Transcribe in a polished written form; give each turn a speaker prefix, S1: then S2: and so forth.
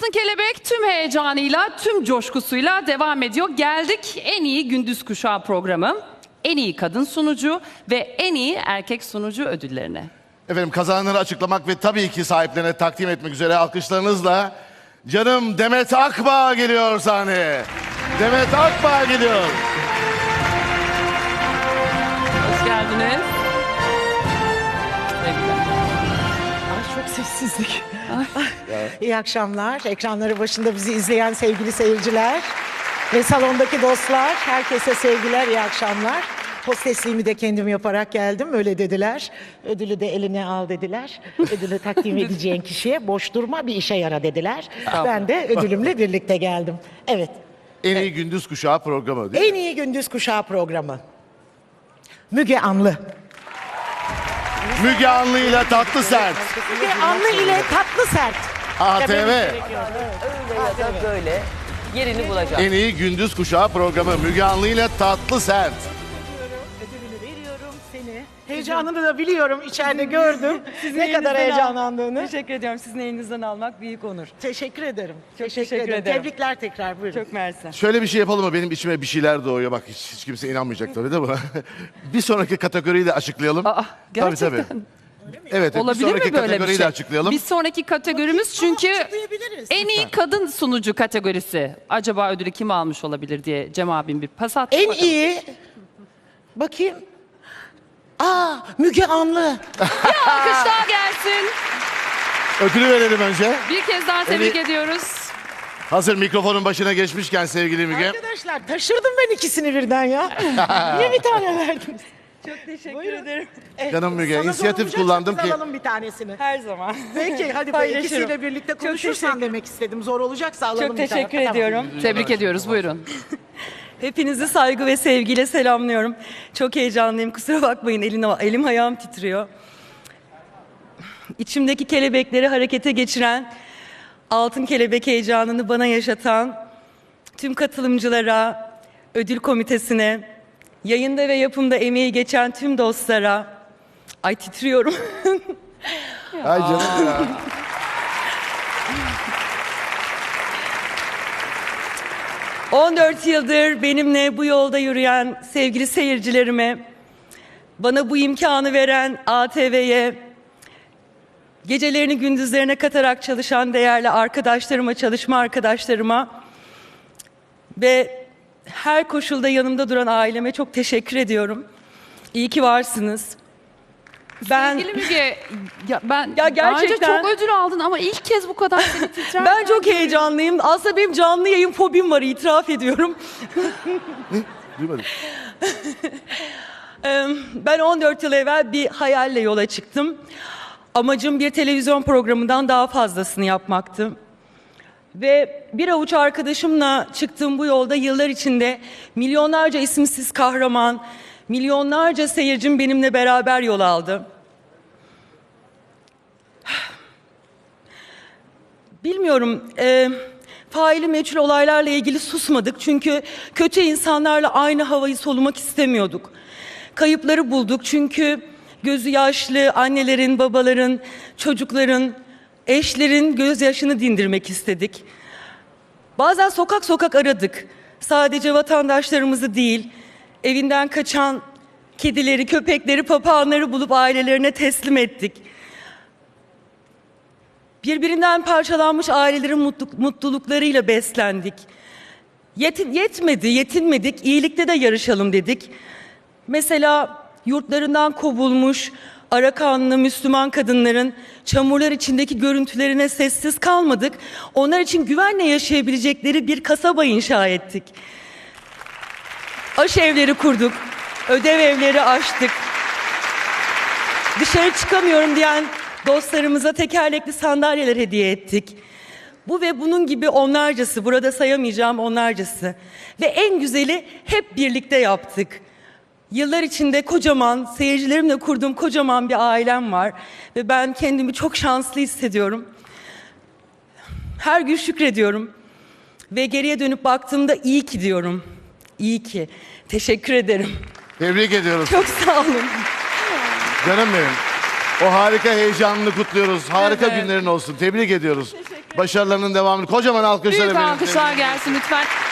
S1: Altın Kelebek tüm heyecanıyla, tüm coşkusuyla devam ediyor. Geldik en iyi gündüz kuşağı programı, en iyi kadın sunucu ve en iyi erkek sunucu ödüllerine.
S2: Efendim kazananları açıklamak ve tabii ki sahiplerine takdim etmek üzere alkışlarınızla canım Demet Akbağ geliyor sahneye. Demet Akbağ geliyor.
S1: Hoş geldiniz. Sevgiler.
S3: Ay çok sessizlik. İyi akşamlar. Ekranları başında bizi izleyen sevgili seyirciler ve salondaki dostlar. Herkese sevgiler, iyi akşamlar. Hostesliğimi de kendim yaparak geldim. Öyle dediler. Ödülü de eline al dediler. Ödülü takdim edeceğin kişiye boş durma, bir işe yara dediler. Ben de ödülümle birlikte geldim. Evet.
S2: En iyi gündüz kuşağı programı değil mi?
S3: En iyi gündüz kuşağı programı. Müge Anlı.
S2: Müge Anlı ile Tatlı Sert.
S3: Müge Anlı ile Tatlı Sert.
S2: ATV.
S4: Öyle ya da böyle yerini bulacak.
S2: En iyi gündüz kuşağı programı Müge Anlı ile Tatlı Sert.
S3: Ödülünü veriyorum seni. Heyecanını da biliyorum, içeride gördüm. Ne kadar heyecanlandığını.
S4: Teşekkür ediyorum. Sizin elinizden almak büyük onur.
S3: Teşekkür ederim.
S4: Çok teşekkür ederim.
S3: Tebrikler tekrar, buyurun.
S4: Çok mersi.
S2: Şöyle bir şey yapalım mı? Benim içime bir şeyler doğuyor. Bak hiç kimse inanmayacak tabii değil mi? Bir sonraki kategoriyi de açıklayalım.
S1: Gerçekten.
S2: Tabii. Evet, bir
S1: Olabilir
S2: sonraki
S1: mi böyle bir
S2: kategoriyi
S1: şey?
S2: de açıklayalım.
S1: Bir sonraki kategorimiz çünkü
S3: açıklayabiliriz.
S1: en iyi kadın sunucu kategorisi. Acaba ödülü kim almış olabilir diye Cem abim bir pas attı.
S3: En
S1: bakalım.
S3: iyi, bakayım. Müge Anlı.
S1: Alkışlar gelsin.
S2: Ödülü verelim önce.
S1: Bir kez daha tebrik ediyoruz.
S2: Hazır mikrofonun başına geçmişken sevgili Müge.
S3: Arkadaşlar taşırdım ben ikisini birden ya. Niye bir tane verdiniz?
S4: Çok teşekkür ederim.
S2: Canım Müge,
S3: Sana
S2: inisiyatif
S3: sorulacaksa
S2: kullandım
S3: biz
S2: ki-
S3: alalım bir tanesini.
S4: Her zaman.
S3: Peki hadi
S4: Paylaşırım.
S3: ikisiyle birlikte
S4: Çok
S3: konuşursan
S4: teşekkür-
S3: demek istedim. Zor olacaksa alalım
S4: Çok
S3: bir tane.
S4: teşekkür ediyorum.
S1: Tebrik ediyoruz. Buyurun.
S4: Hepinizi saygı ve sevgiyle selamlıyorum. Çok heyecanlıyım. Kusura bakmayın. Elim ayağım titriyor. İçimdeki kelebekleri harekete geçiren, altın kelebek heyecanını bana yaşatan tüm katılımcılara, ödül komitesine, yayında ve yapımda emeği geçen tüm dostlara, ay titriyorum.
S2: Ay canım ya.
S4: — 14 yıldır benimle bu yolda yürüyen sevgili seyircilerime, bana bu imkanı veren ATV'ye, gecelerini gündüzlerine katarak çalışan değerli arkadaşlarıma, çalışma arkadaşlarıma ve her koşulda yanımda duran aileme çok teşekkür ediyorum. İyi ki varsınız.
S1: Sevgili Müge, ben
S4: Ya
S1: daha önce
S4: gerçekten-
S1: çok ödül aldın ama ilk kez bu kadar seni titrerken
S4: Ben çok heyecanlıyım. Aslında benim canlı yayın fobim var, itiraf ediyorum.
S2: Duymadım.
S4: Ben 14 yıl evvel bir hayalle yola çıktım. Amacım bir televizyon programından daha fazlasını yapmaktı. Ve bir avuç arkadaşımla çıktığım bu yolda yıllar içinde milyonlarca isimsiz kahraman, milyonlarca seyircim benimle beraber yol aldı. Bilmiyorum, faili meçhul olaylarla ilgili susmadık çünkü kötü insanlarla aynı havayı solumak istemiyorduk. Kayıpları bulduk çünkü gözü yaşlı annelerin, babaların, çocukların, eşlerin gözyaşını dindirmek istedik. Bazen sokak sokak aradık. Sadece vatandaşlarımızı değil, evinden kaçan kedileri, köpekleri, papağanları bulup ailelerine teslim ettik. Birbirinden parçalanmış ailelerin mutluluklarıyla beslendik. Yetinmedik, iyilikte de yarışalım dedik. Mesela yurtlarından kovulmuş, Arakanlı Müslüman kadınların çamurlar içindeki görüntülerine sessiz kalmadık. Onlar için güvenle yaşayabilecekleri bir kasaba inşa ettik. Aşevleri kurduk, ödev evleri açtık. Dışarı çıkamıyorum diyen dostlarımıza tekerlekli sandalyeler hediye ettik. Bu ve bunun gibi onlarcası, burada sayamayacağım onlarcası. Ve en güzeli hep birlikte yaptık. Yıllar içinde kocaman, seyircilerimle kurduğum kocaman bir ailem var. Ve ben kendimi çok şanslı hissediyorum. Her gün şükrediyorum. Ve geriye dönüp baktığımda iyi ki diyorum. İyi ki. Teşekkür ederim.
S2: Tebrik ediyoruz.
S4: Çok sağ olun.
S2: Canım benim. O harika heyecanını kutluyoruz. Harika
S4: Evet.
S2: günlerin olsun. Tebrik ediyoruz.
S4: Teşekkür
S2: Başarılarının devamını. Kocaman alkışlar
S1: Büyük
S2: efendim.
S1: alkışlar gelsin lütfen.